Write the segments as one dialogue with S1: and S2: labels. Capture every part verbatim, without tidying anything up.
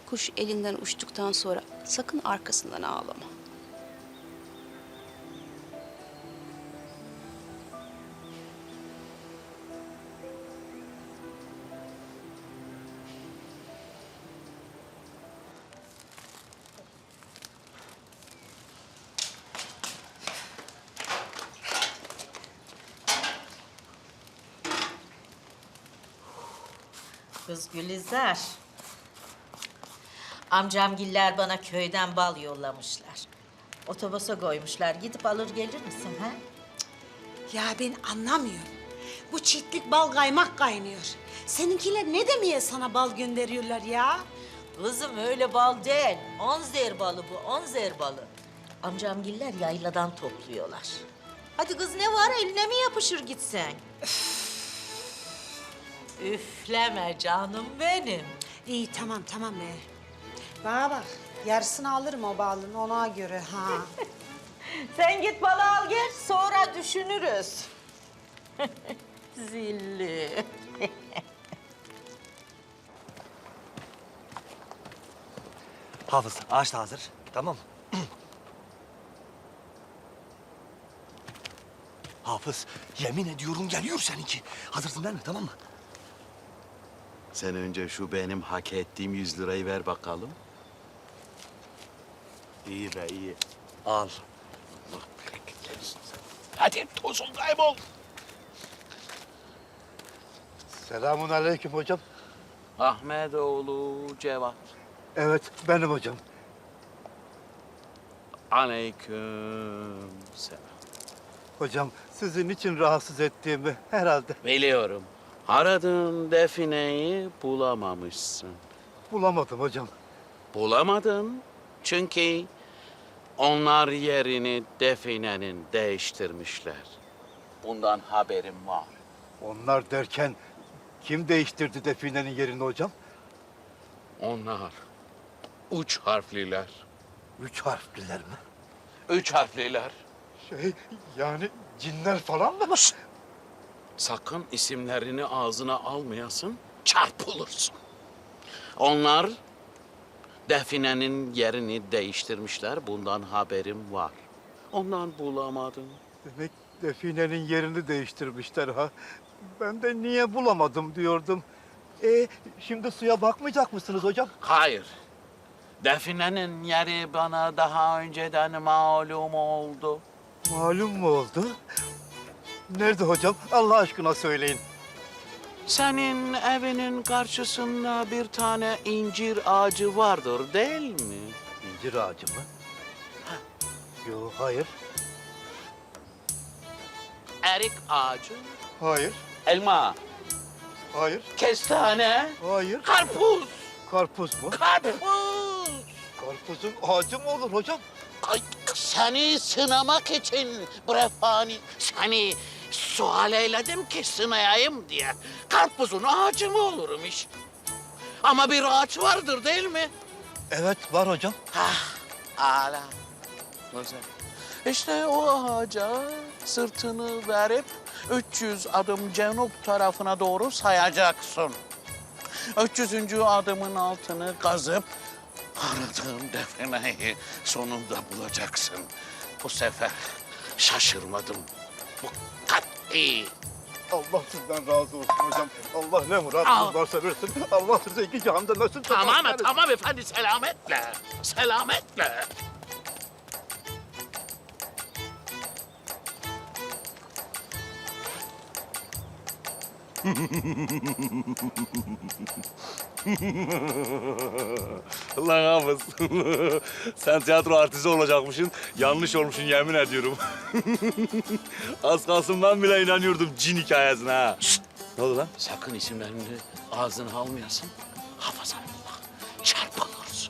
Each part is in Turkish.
S1: Kuş elinden uçtuktan sonra sakın arkasından ağlama.
S2: Kız Gülizar. Amcamgiller bana köyden bal yollamışlar. Otobüse koymuşlar. Gidip alır gelir misin ha?
S3: Ya ben anlamıyorum. Bu çiftlik bal kaymak kaynıyor. Seninkiler ne demeye sana bal gönderiyorlar ya?
S2: Kızım öyle bal değil. Onzer balı bu, onzer balı. Amcamgiller yayladan topluyorlar. Hadi kız ne var eline mi yapışır gitsen? Üfleme canım benim.
S3: İyi tamam tamam be. Bana bak yarısını alırım o balın ona göre ha.
S2: Sen git balı al gel sonra düşünürüz. Zilli.
S4: Hafız, ağaç da hazır. Tamam mı? Hafız, yemin ediyorum geliyor seninki. Hazırsın değil mi? Tamam mı?
S5: Sen önce şu benim hak ettiğim yüz lirayı ver bakalım. İyi be iyi.
S4: Al.
S5: Hadi tozun kaybol.
S6: Selamun aleyküm hocam.
S5: Ahmetoğlu Cevat.
S6: Evet, benim hocam.
S5: Aleyküm selam.
S6: Hocam, sizin için rahatsız ettiğimi herhalde
S5: Biliyorum. Aradığın defineyi bulamamışsın.
S6: bulamadım hocam.
S5: Bulamadın çünkü onlar yerini definenin değiştirmişler. Bundan haberim var.
S6: Onlar derken kim değiştirdi definenin yerini hocam?
S5: Onlar üç harfliler.
S6: Üç harfliler mi?
S5: Üç harfliler.
S6: Şey, yani cinler falan mı?
S5: Sakın isimlerini ağzına almayasın, çarpılırsın. Onlar definenin yerini değiştirmişler. Bundan haberim var. Ondan bulamadım.
S6: Demek definenin yerini değiştirmişler ha. Ben de niye bulamadım diyordum. E şimdi suya bakmayacak mısınız hocam?
S5: Hayır. Definenin yeri bana daha önceden malum oldu.
S6: Malum mu oldu? Nerede hocam? Allah aşkına söyleyin.
S5: Senin evinin karşısında bir tane incir ağacı vardır değil mi?
S6: İncir ağacı mı? Yok, hayır.
S5: Erik ağacı,
S6: Hayır.
S5: elma,
S6: Hayır.
S5: kestane,
S6: Hayır.
S5: karpuz,
S6: Karpuz mu?
S5: karpuz.
S6: Karpuzun ağacı mı olur hocam?
S5: Ay, seni sınamak için brefani, seni sual eyledim ki sınayayım diye. Karpuzun ağacı mı olurum iş? Ama bir ağaç vardır değil mi?
S6: Evet, var hocam.
S5: Hah, âlâ. Güzel. İşte o ağaca sırtını verip üç yüz adım cenub tarafına doğru sayacaksın. üç yüzüncü adımın altını kazıp aradığın defineyi sonunda bulacaksın. Bu sefer şaşırmadım. Bu kat'i.
S6: Allah sizden razı olsun hocam. Allah ne
S5: Al.
S6: muradınız varsa versin. Allah size iki cihanda nasıl
S5: Tamam mı? Tamam efendi, selametle. Selametle.
S7: Lan Hafız, sen tiyatro artisti olacakmışsın. Yanlış olmuşsun yemin ediyorum. Az kalsın ben bile inanıyordum cin hikayesine ha.
S5: Şşt!
S7: Ne oldu lan?
S5: Sakın isimlerini ağzına almayasın. Hafazanallah. Çarpılırsın.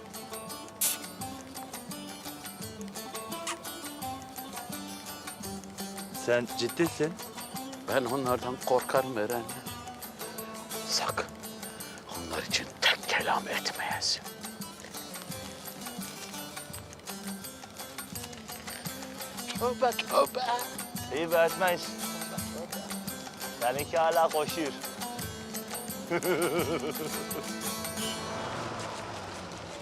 S7: Sen ciddisin.
S5: Ben onlardan korkarım Eren. Sakın onlar için tek kelam etmeyesin. Tövbe tövbe.
S7: İyi be etmeyiz. Seninki hala koşuyor.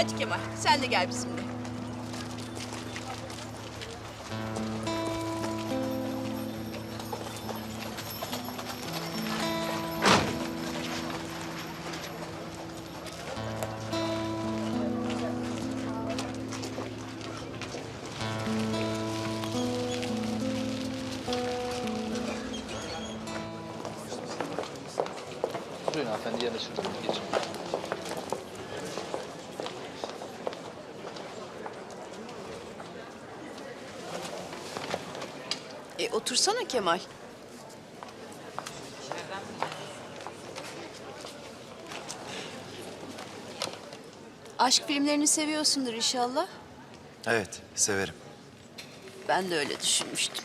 S1: Hadi Kemal, sen de gel bizimle.
S8: Buyurun hanımefendi, yerine şurada geçin.
S1: E, otursana Kemal. Aşk filmlerini seviyorsundur inşallah.
S9: Evet, severim.
S1: Ben de öyle düşünmüştüm.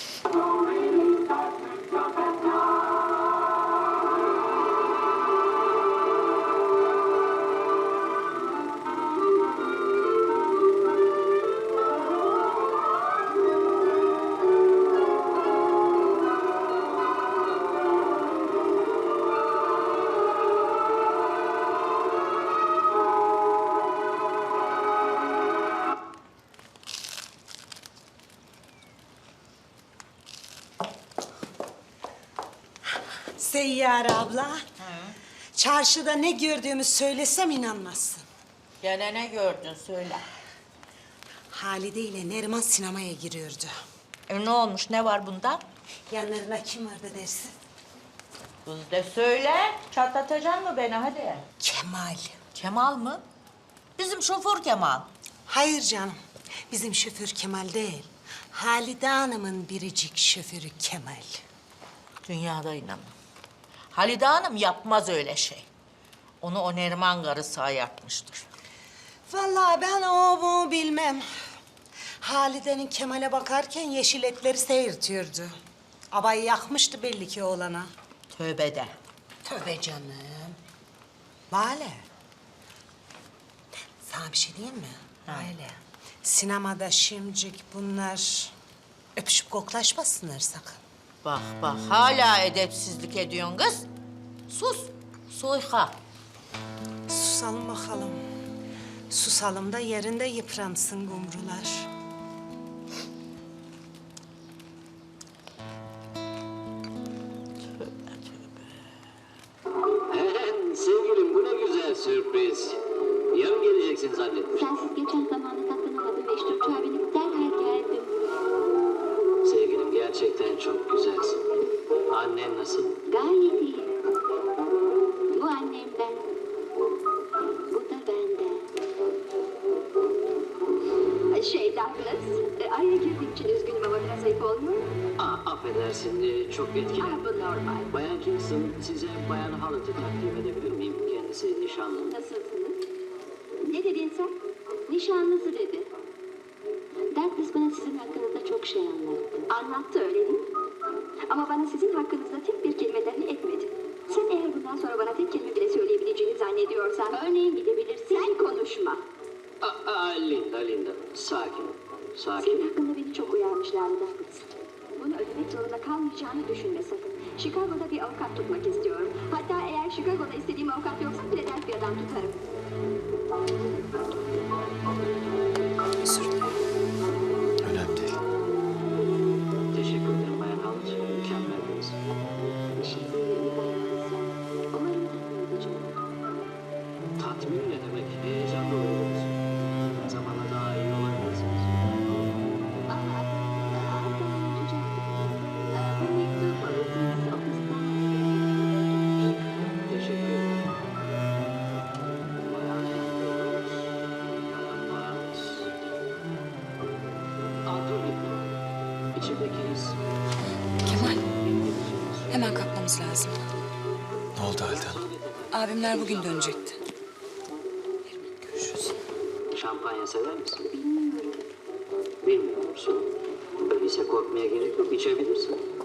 S3: Seyyare abla. Çarşıda ne gördüğümü söylesem inanmazsın.
S2: Gene ne gördün söyle.
S3: Halide ile Neriman sinemaya giriyordu.
S2: E ne olmuş, ne var bunda?
S3: Yanlarına kim vardı dersin?
S2: Kız de söyle, çatlatacaksın mı beni hadi.
S3: Kemal.
S2: Kemal mı? Bizim şoför Kemal.
S3: Hayır canım. Bizim şoför Kemal değil. Halide Hanım'ın biricik şoförü Kemal.
S2: Dünyada inanmam. Halide Hanım yapmaz öyle şey. Onu o Neriman karısı ayartmıştır.
S3: Vallahi ben o bu bilmem. Halide'nin Kemal'e bakarken yeşil etleri seyirtiyordu. Abayı yakmıştı belli ki oğlana.
S2: Tövbe de.
S3: Tövbe canım. Lale. Sana bir şey diyeyim mi? Lale. Sinemada şimdicik bunlar öpüşüp koklaşmasınlar sakın.
S2: Bak bak hala edepsizlik ediyorsun kız. Sus. Soyka.
S3: Susalım bakalım. Susalım da yerinde yıpransın gumrular.
S10: Sevgilim bu ne güzel sürpriz. Yarın geleceksin zannettim.
S11: Sensiz geçen zamanda katlanamadım ve işte uçağa binip derhal geldim.
S10: Sevgilim gerçekten çok güzelsin. Annen nasıl?
S11: Gayet iyi. Bu annemden. Bu da benden. Şey Douglas, e, araya girdiğim için üzgünüm ama biraz ayıp olmuyor mu?
S10: Aa, affedersin e, çok
S11: Ah,
S10: etkilendim.
S11: bu normal.
S10: Bayan Kingston size Bayan Hallett'ı takdim edebilir miyim? Kendisi nişanlım.
S11: Nasılsınız? Ne dedin sen? Nişanlısı dedi. Douglas bana sizin hakkınızda çok şey anlattı. Anlattı öyle değil mi? Ama bana sizin hakkınızda tek bir kelime dahi etmedi. Sen eğer bundan sonra bana tek kelime bile söyleyebileceğini zannediyorsan örneğin gidebilirsin. Sen konuşma.
S10: Aa, aa, Linda, Linda. Sakin ol. Sakin.
S11: Senin hakkında beni çok uyarmışlardı Douglas. Bunu ödemek zorunda kalmayacağını düşünme sakın. Chicago'da bir avukat tutmak istiyorum. Hatta eğer Chicago'da istediğim avukat yoksa Philadelphia'dan tutarım.
S9: Önemli değil.
S10: Teşekkür ederim Bayan Hallett. Mükemmeldiniz.
S11: Teşekkür ederim Douglas. Umarım tatmin edeceğim.
S10: Tatmin ne demek? Heyecanlı oluruz. Zamanla daha iyi olabilirsiniz.
S11: Aa, aa, ben unutacaktım. Aa, Bu mektup siz ofisten.
S10: Teşekkür ederim. Bayan Andrews, Bayan Miles. Aa, dur gitme. İçimdeki his.
S12: Kemal, hemen kalkmamız lazım.
S9: Ne oldu Halide Hanım?
S12: Abimler bugün dönecekti.
S11: Görüşürüz.
S10: Şampanya sever misin?
S11: Bilmiyorum.
S10: Bilmiyor musun? Öyleyse korkmaya gerek yok. İçebilirsin.